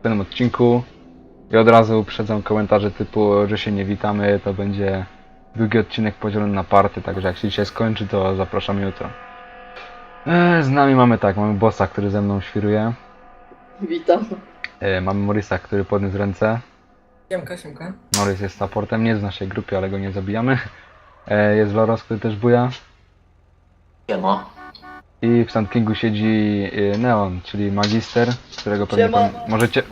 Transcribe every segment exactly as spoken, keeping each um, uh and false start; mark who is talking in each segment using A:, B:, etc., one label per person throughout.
A: w tym odcinku. I od razu uprzedzam komentarze typu, że się nie witamy, to będzie długi odcinek podzielony na party, także jak się dzisiaj skończy, to zapraszam jutro. E, z nami mamy tak, mamy bossa, który ze mną świruje.
B: Witam.
A: E, mamy Morisa, który podniósł ręce.
C: Siemka, siemka.
A: Morris jest supportem, nie jest w naszej grupie, ale go nie zabijamy. E, jest Loros, który też buja.
D: Siema.
A: I w Sand Kingu siedzi e, Neon, czyli magister, którego pewnie
B: Siema.
A: pan możecie...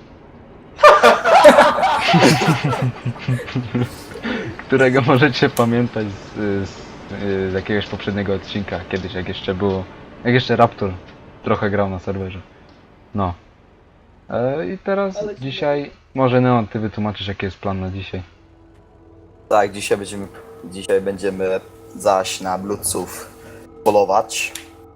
A: którego możecie pamiętać z, z, z jakiegoś poprzedniego odcinka, kiedyś jak jeszcze było, jak jeszcze Raptor trochę grał na serwerze. No. E, I teraz
B: Ale ci
A: dzisiaj, może Neon, ty wytłumaczysz jaki jest plan na dzisiaj.
D: Tak, dzisiaj będziemy, dzisiaj będziemy zaś na bludców polować.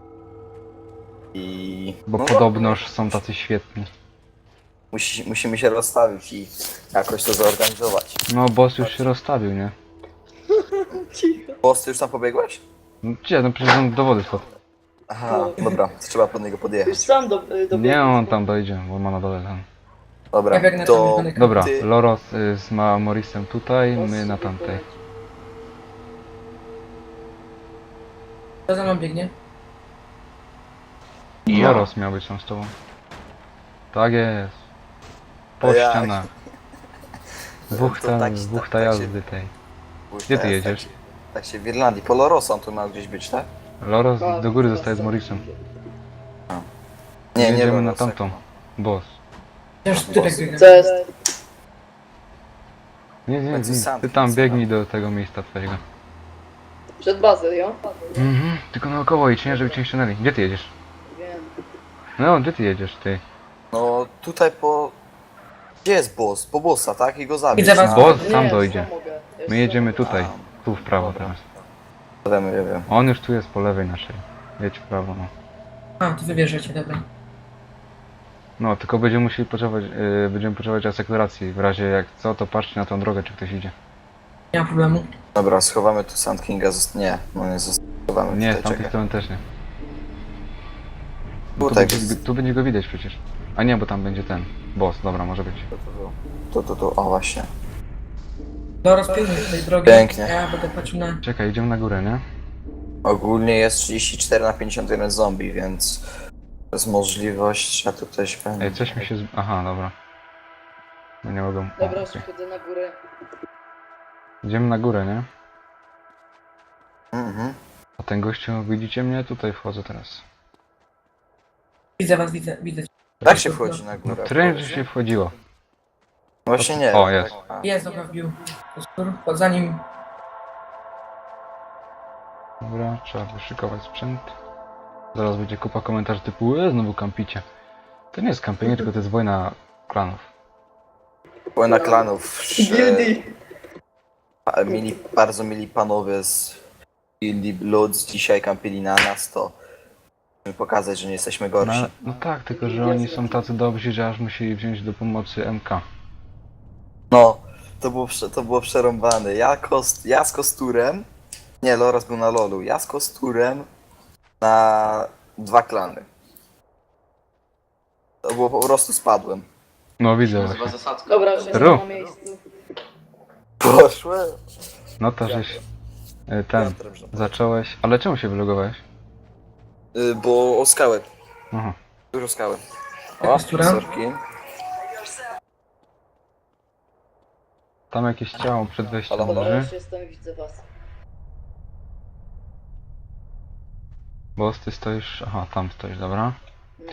D: I...
A: Bo
D: no,
A: podobnoż są tacy świetni.
D: Musi, musimy się rozstawić i jakoś to zorganizować.
A: No boss już się rozstawił, nie?
B: Cicho.
D: Boss, ty już tam pobiegłeś?
A: No gdzie, no przecież on do wody wpadł.
D: Aha, dobra, to trzeba pod niego
B: Już
D: podjechać.
B: sam do, do
A: Nie, on tam dojdzie, bo ma na dole tam.
D: Dobra,
C: Ja biegnę
D: to...
C: tam daleko.
A: Dobra,
D: Ty-
A: Loros y, z Ma Morisem tutaj, my na tamtej.
C: Kto za mną biegnie?
A: Loros miał być tam z tobą. Tak jest. Po
D: Jak?
A: ścianach. Dwóch
D: To
A: ta,
D: tak-
A: dwóch
D: tak-
A: ta
D: tak się-
A: jazdy tej.
D: Pójdź
A: Gdzie ty
D: teraz,
A: jedziesz?
D: Tak się, tak się w Irlandii, Polorosa on tu miał gdzieś być, tak?
A: Loros do góry zostaje z Morisem.
D: Nie, nie,
A: Jedziemy
D: było
A: na
D: Lorsa.
A: tamtą. Boss.
C: Też typek biegnie.
B: Co jest?
A: Nie, nie,
D: Będzie
A: nie.
D: sam
A: Ty tam
D: nic,
A: biegnij do tego miejsca twojego.
B: Przed bazą, jo?
A: Mhm, tylko naokoło idź, nie, żeby cię nie ściągnęli. Gdzie ty jedziesz?
B: Wiem.
A: No, gdzie ty jedziesz, ty?
D: No tutaj po... Gdzie jest boss? Po bossa, tak? I go zabić.
C: Widzę was.
D: na-
A: Boss sam
B: Nie,
A: dojdzie.
B: sam mogę. Ja już
A: My
B: sam
A: jedziemy
B: mogę.
A: tutaj. Tu w prawo teraz.
D: Wiemy, ja wiem.
A: On już tu jest po lewej naszej. Jedź w prawo, no.
C: A, tu wybierzecie, dobra.
A: No, tylko będziemy musieli potrzebować, yy, będziemy potrzebować asekuracji. W razie jak co, to patrzcie na tą drogę, czy ktoś idzie.
C: Nie ma problemu.
D: Dobra, schowamy tu Sand Kinga, zost... nie, no nie schowamy
A: Nie, z
D: tutaj,
A: tamtej
D: czekaj.
A: strony też nie. Bo tu,
D: Tutaj
A: będzie,
D: jest-
A: tu będzie go widać przecież. A nie, bo tam będzie ten. Boss, dobra, może być.
D: Tu, tu, tu, o właśnie.
C: Do rozpięknie tej drogi.
D: Pięknie.
C: Ja będę patrzył na...
A: Czekaj, idziemy na górę, nie?
D: Ogólnie jest trzydzieści cztery na pięćdziesiąt jeden zombie, więc to jest możliwość, a tu ktoś będzie.
A: Ej, coś mi się z... Aha, dobra. No nie mogą. O,
B: Dobra,
A: okej.
B: schodzę na górę.
A: Idziemy na górę, nie?
D: Mhm.
A: A ten gościu, widzicie mnie? Tutaj wchodzę teraz.
C: Widzę was, widzę, widzę.
D: Tak się wchodzi na
A: No
D: górę.
A: tręż się wchodziło.
D: Właśnie nie.
A: O, jest.
D: Tak,
C: Jest, dobra, wbił. Skór, zanim...
A: Dobra, trzeba wyszykować sprzęt. Zaraz będzie kupa komentarzy typu e, znowu kampicie. To nie jest kampienie, tylko to jest wojna klanów.
D: a, Wojna klanów.
B: Gildii.
D: e, Mili, bardzo mili panowie z Gildii Bloods dzisiaj kampili na nas, to musimy pokazać, że nie jesteśmy
A: No,
D: gorsi.
A: no tak, tylko że oni są tacy dobrzy, że aż musieli wziąć do pomocy M K.
D: No, to było, prze- to było przerąbane. Ja, kost, ja z kosturem, nie, Loras był na lolu, ja z kosturem na dwa klany. To było po prostu spadłem.
A: No widzę właśnie.
D: zasadzka.
B: Dobra, że
A: Ru.
B: na miejscu.
D: Poszłem.
A: No to żeś e, ten zacząłeś. Ale czemu się wylogowałeś?
D: Y, bo o skałę,
A: Aha.
D: dużo skały.
C: Jaka
D: O,
C: stura?
D: sorki.
A: Tam jakieś ciało przed wejściem
D: Halo, halo?
B: Dobra,
A: leży.
B: już jestem, widzę was.
A: Boss, ty stoisz. Aha, tam stoisz, dobra.
B: No.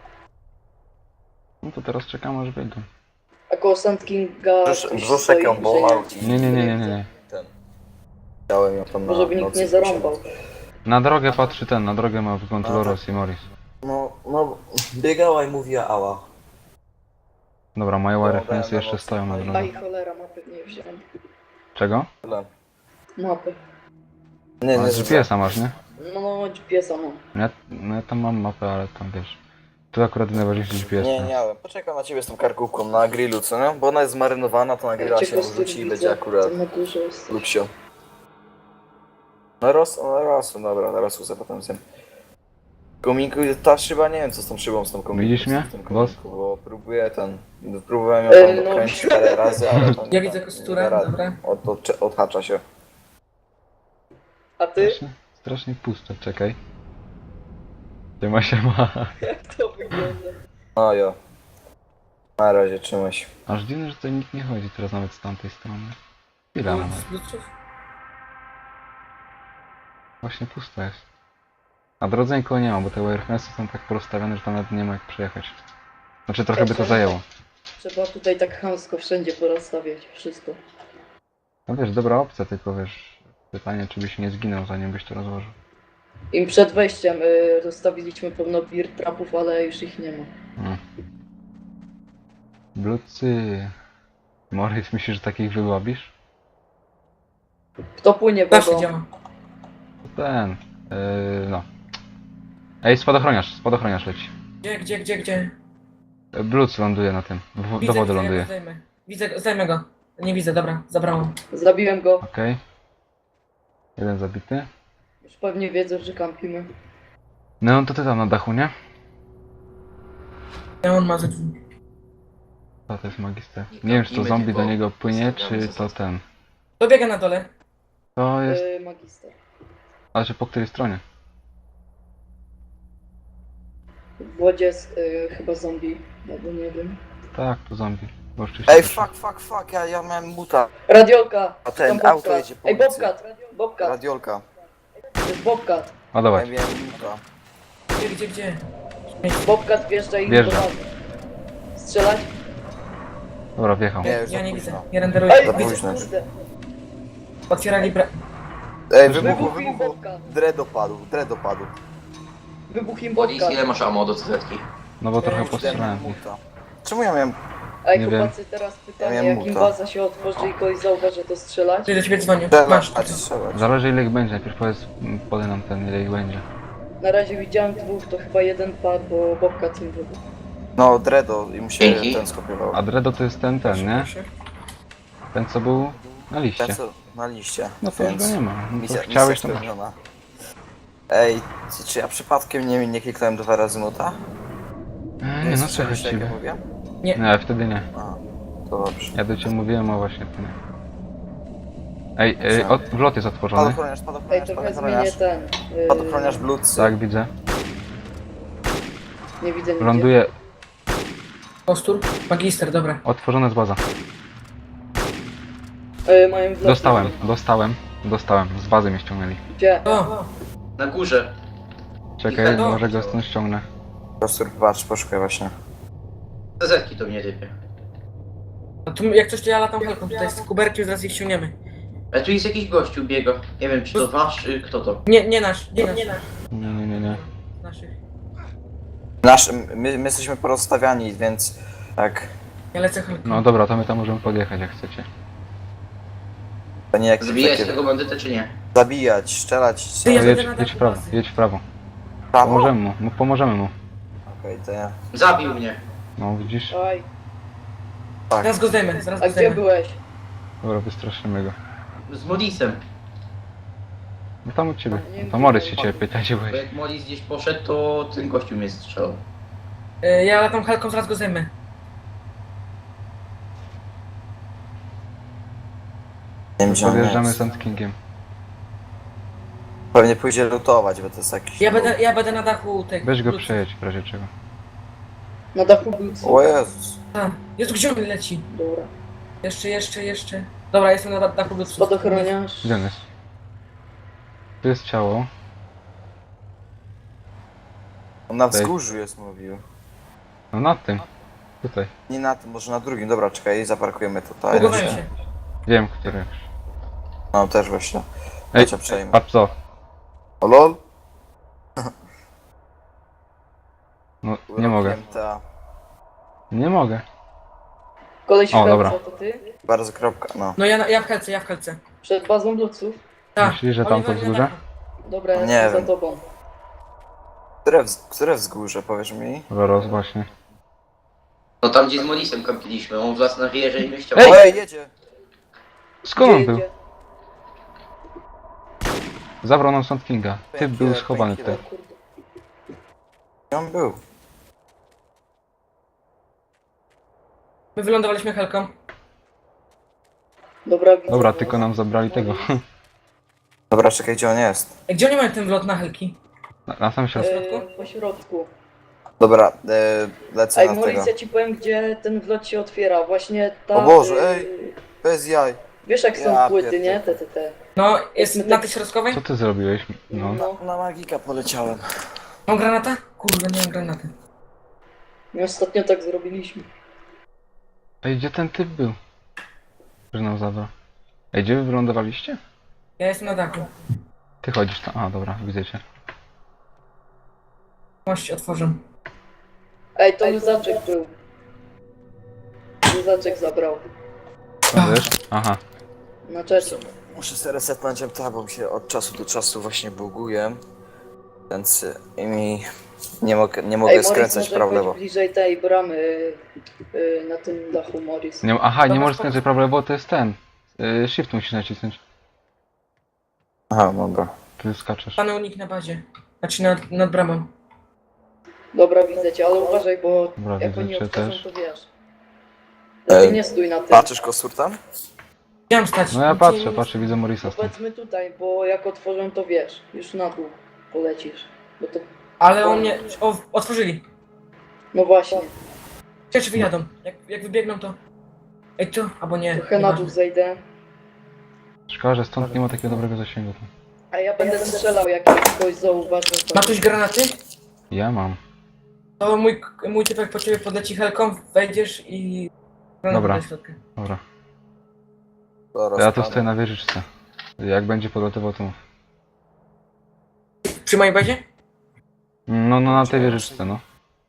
A: No to teraz czekamy aż wyjdą.
B: A koło Sand Kinga...
D: Brzusz-
B: ktoś
D: Brzuszek
B: stoi,
D: ją
B: że
D: bolał i
A: Nie, nie, nie, nie, nie. nie.
D: ten. Chciałem ją tam na
B: Może by nikt
D: nocy
B: nie zarąbał.
A: Na drogę patrzy ten, na drogę ma wygląd
D: A,
A: Loros i Morris.
D: No, no, biegała i mówiła ała.
A: Dobra, moje
D: No,
A: reflensy
D: dałem
A: jeszcze
D: na
A: stoją na
D: mocno.
A: drodze.
B: Aj, cholera, mapy nie wziąłem.
A: Czego?
D: Tyle.
B: Mapy.
D: Nie,
A: A
D: nie,
A: G P S-a masz, nie?
B: No, no, G P S-a mam.
A: Ja, no ja tam mam mapę, ale tam wiesz. Tu akurat najważniejszy G P S.
D: Nie, nie miałem. Poczekam na ciebie z tą karkówką na grillu, co nie? Bo ona jest zmarynowana, to na grilla
B: Cię
D: się
B: kostur
D: wrzuci i
B: widzę,
D: będzie akurat
B: tam na górze jest.
D: lupsio. Na ros, na rosu, dobra, na rosu za potem zjem. Kominku, ta szyba, nie wiem co z tą szybą, z tą kominku.
A: Widzisz mnie,
D: z tym
A: boss?
D: kominku, Bo próbuję ten, próbowałem ją
B: E,
D: tam
B: no.
D: dokręcić parę razy, ale to nie
C: Ja
D: da-
C: widzę
D: nie
C: kosturę,
D: da rady.
C: dobra.
D: Od, od, odhacza się.
B: A ty?
A: Strasznie, strasznie pusto, czekaj. Gdzie ma się ma?
B: Jak to wygląda?
D: No jo. Na razie, trzymaj.
A: Aż dziwne, że tutaj nikt nie chodzi teraz nawet z tamtej strony. Chwila nawet.
C: Z Bluetooth?
A: Właśnie pusto jest. A drodze nikogo nie ma, bo te wireharnesy są tak porozstawione, że tam nawet nie ma jak przejechać. Znaczy trochę by to zajęło.
B: Trzeba tutaj tak chamsko wszędzie porozstawiać wszystko.
A: No wiesz, dobra opcja, tylko wiesz, pytanie czy byś nie zginął zanim byś to rozłożył.
B: Im przed wejściem y, rozstawiliśmy pełno beer trapów, ale już ich nie ma.
A: No. Blucy. Morris, myślisz, że takich wyłabisz?
B: Kto płynie
C: Zawsze
B: wodą?
C: działa.
A: To ten. Yy, no. Ej, spadochroniarz, spadochroniarz leci.
C: Gdzie, gdzie, gdzie, gdzie?
A: Yy, Bluc ląduje na tym. W, do
C: Widzę,
A: wody
C: widzę, ja
A: ląduje.
C: go zdejmę. Widzę, zdejmę go. Nie widzę, dobra, zabrałam.
B: Zabiłem go.
A: Okej. Jeden zabity.
B: Już pewnie wiedzą, że kampimy.
A: No to ty tam na dachu, nie?
C: Ja on ma ze drzwi.
A: To, to jest magister. Nie wiem, czy to zombie do niego płynie, czy to ten.
C: Dobiega na dole.
A: To jest.
B: Y, magister.
A: Ale czy po której stronie?
B: W wodzie jest y, chyba zombie, albo nie wiem.
A: Tak, to zombie. Bo oczywiście
D: Ej,
A: też-
D: fuck, fuck, fuck, ja, ja miałem muta.
B: Radiolka!
D: A ten,
B: Tam
D: auto
B: Bobcat.
D: jedzie po
B: Ej,
D: ulicy.
B: Bobcat! Bobcat!
D: Radiolka.
B: To jest Bobcat!
A: A
D: Ja
A: dawaj.
D: miałem muta.
C: Gdzie, gdzie, gdzie?
B: Bobcat wjeżdża i
A: Wjeżdża.
B: do wody. Strzelać?
A: Dobra, wjechał.
D: Nie, już
C: Ja
D: za
C: nie
D: późno.
C: widzę. Nie renderuję.
B: Ej,
D: Za
C: Widzę.
D: późno.
B: kurde!
C: Otwierali bra...
D: Ej, wybuchł,
B: Wybuchł im
D: wybuchł.
B: Bobcat!
D: Dread opadł, dread opadł.
B: Wybuch im
E: Boris,
B: Bobcat!
E: ile masz ammo do cyzetki?
A: No bo trochę
C: Ej,
D: Kurde,
A: postrzelałem
D: miałem
A: w nich.
D: muta. Czemu ja miałem...
B: Ej,
A: Nie wiem.
B: chłopacy, teraz pytanie,
D: Ja miałem
B: jak
D: muta.
B: imbaza się otworzy i kogoś zauważy, to strzelać?
C: Ty do ciebie dzwonię.
D: Strzelać,
C: Masz.
D: a strzelać.
A: Zależy ile ich będzie. Najpierw powiedz, m, podaj nam ten ile ich będzie.
B: Na razie widziałem dwóch, to chyba jeden padł, bo Bobcat im wybuchł.
D: No, Dredo i mu się
E: Dzięki.
D: ten skopiował.
A: A Dredo to jest ten, ten, nie?
C: Proszę.
A: Ten co był na liście.
D: Ten co na liście.
A: No to już
D: więc
A: go nie ma. No to
D: misja,
A: chciałeś
D: misja
A: to masz.
D: spełniona. Ej, czy, czy ja przypadkiem nie, nie kliknąłem dwa razy muta?
A: Ej, nie no
D: słyszeliście,
A: słychać
D: jak ja
A: ciebie.
D: mówię?
A: Nie, wtedy nie.
D: A, to dobrze.
A: Ja do ciebie mówiłem, a właśnie to nie. Ej, ej od, wlot jest otworzony.
D: Spadochroniarz,
B: Ej,
D: spadochroniarz,
B: trochę zmienię
D: spadochroniarz.
B: ten. Yy,
D: Spadochroniarz Blucy.
A: Tak, widzę.
B: Nie widzę nigdzie.
A: Ląduje.
C: Kostur. Magister, dobra.
A: Otworzona jest baza.
B: Yy, mają wlot.
A: Dostałem, dostałem, dostałem. Z bazy mnie ściągnęli.
B: Gdzie?
C: O!
E: Na górze.
A: Czekaj,
C: No.
A: może go stąd ściągnę.
D: Kostur, patrz, poszukaj właśnie.
E: Cyzetki to mnie typie.
C: No tu jak coś to ja latam helką tutaj z kuberki, zaraz ich ściągniemy.
E: Ale tu jest jakiś gościu biega. Nie wiem czy to wasz, czy kto to.
C: Nie, nie nasz, nie nasz. Nie nasz.
A: Nie, nie, nie, nie.
C: Naszych.
D: Nasz, my, my jesteśmy porozstawiani, więc tak,
C: Ja lecę helką.
A: No dobra, to my tam możemy podjechać jak chcecie.
D: to nie jak
E: Zabijać
D: takie
E: tego bandytę czy nie?
D: zabijać, strzelać.
C: Ty, ja
A: To
C: będę
A: jedź,
C: na
A: jedź
C: dachu
A: w prawo,
C: bazy.
A: jedź w prawo.
D: Prawo?
A: Pomożemy mu, mu pomożemy mu.
D: Okej, to ja.
E: Zabił mnie.
A: No widzisz?
B: Oj,
D: Tak.
C: Zaraz go zdejmę, zaraz
B: a
C: go
B: gdzie
C: zdejmę.
B: byłeś?
A: Dobra, wystraszymy go.
E: Z Molisem.
A: No tam u ciebie.
B: Nie
A: To
B: wiem,
A: Morys
B: gdzie
A: się ciebie pyta, gdzie
E: Bo
A: byłeś.
E: jak Molis gdzieś poszedł, to ten gościu mnie strzelał.
C: E, Ja latam helką, zaraz go zdejmę.
D: Nie wiem, gdzie on
A: Podjeżdżamy
D: jest.
A: Sand Kingiem.
D: Pewnie pójdzie lutować, bo to jest jakiś...
C: Ja będę, ja będę na dachu tych.
A: Weź go
C: Bluetooth.
A: przejedź w razie czego.
B: Na dachu był co?
D: O Jezus.
C: A, Jezu, gdzie on leci?
B: Dobra.
C: Jeszcze, jeszcze, jeszcze. Dobra, jestem na dachu Bluetooth.
B: Spadochroniarz.
A: Gdzie on jest? Tu jest ciało.
D: On na
A: Tutaj.
D: wzgórzu jest, mówił.
A: No nad tym. Tutaj.
D: Nie na tym, może na drugim. Dobra, czekaj, zaparkujemy tutaj.
C: Bugowałem się.
A: Wiem, który.
D: No, też właśnie.
A: Ej,
D: Ja cię przejmę.
A: patrz co.
D: O lol?
A: No, nie mogę.
D: Ta.
A: Nie mogę.
B: Koleś w
A: O,
B: helce,
A: dobra.
B: to ty?
D: Bardzo kropka, no.
C: No ja, na- ja w helce, ja w helce.
B: Przed bazą Bluców?
C: Tak.
A: Myślisz, że
C: Oni
A: tam to
C: wali na
A: wzgórze?
C: dachu.
B: Dobra, ja
D: Nie
B: jestem za
D: wiem.
B: tobą.
D: Które, wz które wzgórze, powiesz mi?
A: Zaraz właśnie.
E: No tam gdzie z Molisem kampiliśmy, on wlazł na wieżę i mnie chciał.
A: Ej!
D: Ej, jedzie!
A: Skąd on
B: Gdzie
A: był?
B: jedzie?
A: Zabrał nam Sand Kinga. Typ był
D: Painkiller,
A: schowany
B: O
A: tutaj.
D: painkiller.
B: kurde.
D: Gdzie on był?
C: My wylądowaliśmy helką.
B: Dobra, widzę
A: Dobra,
B: was.
A: tylko nam zabrali tego.
D: Dobra, czekaj, gdzie on jest?
C: Ej, gdzie oni mają ten wlot na helki?
A: Na, na samym środku.
B: E, po środku.
D: Dobra, e, lecę
B: Ej,
D: na
B: Maurice,
D: tego.
B: ja ci powiem, gdzie ten wlot się otwiera. Właśnie ta...
D: O Boże,
B: e,
D: ej. Bez jaj.
B: Wiesz jak są
D: Ja
B: płyty,
D: pierdolę.
B: nie? Te, te, te.
C: No, jest
B: Jest
C: na
B: tak-
C: tej środkowej?
A: Co ty zrobiłeś? No.
B: No.
D: Na magika poleciałem.
C: Mam granata? Kurde, nie mam granaty.
B: My ostatnio tak zrobiliśmy.
A: Ej, gdzie ten typ był? Że nam zabrał. Ej, gdzie wy wylądowaliście?
C: Ja jestem na dachu.
A: Ty chodzisz tam. A, dobra, widzę cię.
C: Mość otworzę.
B: Ej, to Luzaczek był. Luzaczek zabrał.
A: Co wiesz? Aha.
B: Na czasie.
D: Muszę sobie resetnąć M T A, bo mi się od czasu do czasu właśnie buguje. Więc y, mi nie mogę, nie mogę
B: Ej, Morris,
D: skręcać
B: może
D: prawo
B: chodź
D: lewo.
B: bliżej tej bramy y, na tym dachu, Morris.
A: Nie, aha, nie
C: Dobra,
A: możesz
C: spoko.
A: skręcić prawo, bo to jest ten. Yy, shift musisz nacisnąć.
D: Aha, dobra.
A: Ty skaczesz.
C: Pany unik na bazie. Znaczy nad, nad bramą.
B: Dobra, widzę cię, ale uważaj, bo
A: Dobra,
B: jak
A: widzę
B: oni
A: cię
B: otworzą,
A: też.
B: to wiesz. Lepiej
D: Ej,
B: nie stój na tym.
D: Patrzysz kostur tam?
C: Chciałem stać.
A: No ja
C: Nic
A: patrzę,
C: nie-
A: patrzę, widzę Morisa stąd.
B: Powiedzmy tutaj, bo jak otworzą, to wiesz. Już na dół polecisz. Bo to...
C: Ale on mnie... O, otworzyli.
B: No właśnie.
C: Ciekawe czy wyjadą. Jak, jak wybiegną to... Ej, tu, albo nie.
B: Trochę na dół
C: nieważne.
B: zejdę.
A: Szkoda, że stąd nie ma takiego dobrego zasięgu. Tu.
B: A ja będę strzelał, jak ktoś zauważy. To...
C: Ma ktoś granaty?
A: Ja mam.
C: To mój, mój typek po ciebie podleci helką, wejdziesz i... granatę
A: Dobra.
C: do środka.
A: Dobra.
D: Zaraz
A: Ja tu
D: padam.
A: stoję na wieżyczce. Jak będzie podlatywał, to mów.
C: Przy mojej bazie?
A: No, no na tej wieżyczce, no.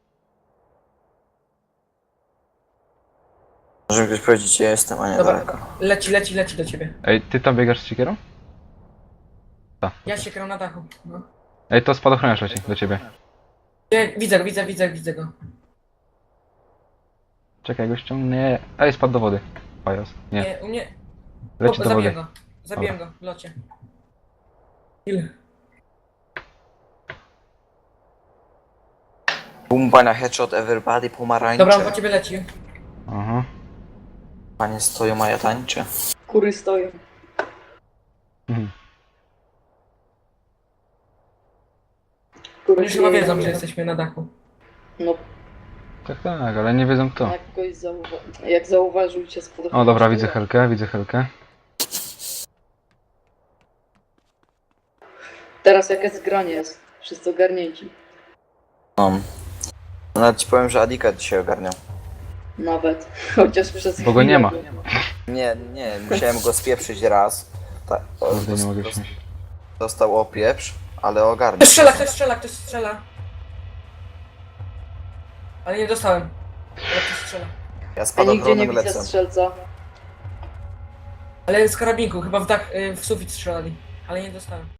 D: Może mi ktoś powiedzieć, gdzie jestem, a nie
C: Dobra.
D: daleko.
C: Leci, leci, leci do ciebie.
A: Ej, ty tam biegasz z siekierą?
C: Ja się kram na dachu. No.
A: Ej, to spadochroniarz leci do ciebie.
C: Ja, widzę go, widzę, widzę, widzę go.
A: Czekaj, go ściągnie. Ej, spadł do wody. Pajas. Nie,
C: Nie, u mnie...
A: leci
C: o,
A: do
C: zabiję
A: wody.
C: go. Zabiję go w locie. Ile?
D: Bumba na headshot, everybody, pomarańcze.
C: Dobra, on po ciebie leci.
A: Aha.
D: Panie stoją, a ja tańczę.
B: Kury stoją.
A: Mhm.
B: Kury
C: Oni już chyba
B: stoją.
C: wiedzą, że jesteśmy na dachu.
B: No,
A: Tak, tak, ale nie wiedzą kto.
B: jak kogoś zauwa- jak zauważył cię spod...
A: O, dobra, widzę Helkę, widzę Helkę.
B: Teraz jakie zgranie jest? Wszyscy ogarnięci.
D: No. No, nawet ci powiem, że Adika dzisiaj ogarniał.
B: Nawet. Chociaż przez
A: Bo go nie
B: chwilę
A: ma.
B: było.
D: Nie, nie, musiałem go spieprzyć raz. Tak, o,
A: Kurde, nie mogę
D: dos-
A: się.
D: dostał opieprz, ale ogarniał.
C: Ktoś strzela, ktoś strzela, ktoś strzela. Ale nie dostałem. Ale ktoś strzela.
D: Ja
B: Ja nigdzie nie
D: spadochronem
B: widzę
D: lecę.
B: strzelca.
C: Ale z karabinku, chyba w dach, y, w sufit strzelali. Ale nie dostałem.